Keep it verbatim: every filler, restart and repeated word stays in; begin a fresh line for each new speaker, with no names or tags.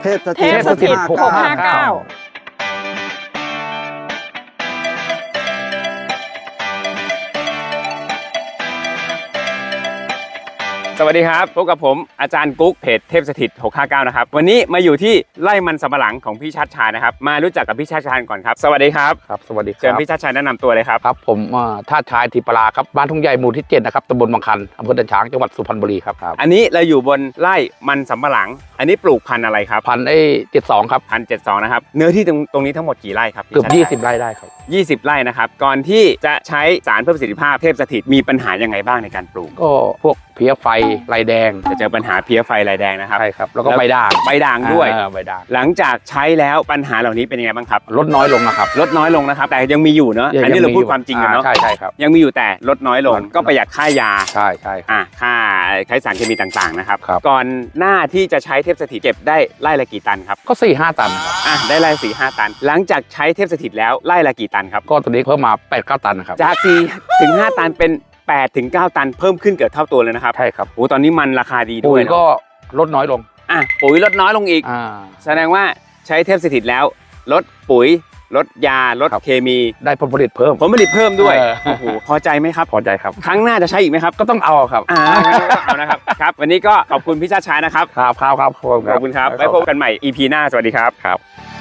เทพส
เท
ถิต
พสถิตหกห้าเก้า
สวัสดีครับพบกับผมอาจารย์กุ๊กเพจเทพสถิตหกห้าเก้านะครับวันนี้มาอยู่ที่ไร่มันสำปะหลังของพี่ชัดชายนะครับมารู้จักกับพี่ชัดชายก่อนครับสวัสดีครับ
ครับสวัสดีค
เชิญ
รับ
พี่ชัดชายแนะนำตัวเลยครับ
ครับผมท่าชายทิปลาครับบ้านทุ่งใหญ่หมู่ที่เจ็ดนะครับตำบลบางคันอำเภอดันช้างจังหวัดสุพรรณบุรีครับ
อันนี้เราอยู่บนไร่มันสำปะหลังอันนี้ปลูกพันธุ์อะไรครับ
พันไอ้เจ็ดสองครับ
พันเจ็ดสองนะครับเนื้อที่ตรงตรงนี้ทั้งหมดกี่ไร่ครับพี่
เกือบ
ชัดชั
ยี่สิบไร่ได้ครับ
ยี่สิบไร่นะครับก่อนที่จะใช้สารเพิ่มประสิทธิภาพเทพสถิตมีปัญหายังไงบ้างในการปลูก
ก็พวกเพี้ยไฟลายแดง
จะเจอปัญหาเพี้ยไฟลายแดงนะครับ
ใช่ครับแล้วก็ใบด่าง
ใบด่างด้วย
อ่าใบด่าง
หลังจากใช้แล้วปัญหาเหล่านี้เป็นยังไงบ้างครับ
ลดน้อยลงนะครับ
ลดน้อยลงนะครับแต่ยังมีอยู่เนอะอันนี้เราพูดความจริงกันเนาะ
ใช่ใช่ครับ
ยังมีอยู่แต่ลดน้อยลง
ลด
ก็ประหยัดค่ายา
ใช่ใช่
อ่ะค่าใช้สารเคมีต่างๆนะครับ
ครับ
ก่อนหน้าที่จะใช้เทพสถิตเก็บได้ไร่ละกี่ตันครับ
ก็สี่ห้าตันครับ
อ่ะได้ไร่สี่ห้าตัน หลังจากใช้เทพสถิตแล้วไร่ละกี่ตันครับ
ก็ตัวนี้เพิ่มมาแปดเก้าตันนะครับ
จากสี่ถึงห้าตันเป็นแปดถึงเก้าตันเพิ่มขึ้นเกือบเท่าตัวเลยนะครับ
ใช่ครับ
โอ้ตอนนี้มันราคาดีด้
ปุ๋
วย
ย
เนอะ
ก็ลดน้อยลง
อ่ะปุ๋ยลดน้อยลงอีก
อ่า
แสดงว่าใช้เทพสถิตแล้วลดปุ๋ยลดยาลด
ครับ
เคมี
ได้ผลผลิตเพิ่ม
ผลผลิตเพิ่มด้วย
เออ
โอ้โหพอใจไหมครับ
พอใจครับ
ครั้งหน้าจะใช้อีกไหมครับ
ก็ต้องเอาครับ
อ่างั้นก็เอานะครับครับวันนี้ก็ขอบคุณพี่ชาติชายนะครับ
ครับครับครับ
ขอบคุณครับไว้พบกันใหม่ อี พี หน้าสวัสดีครับ
ครับ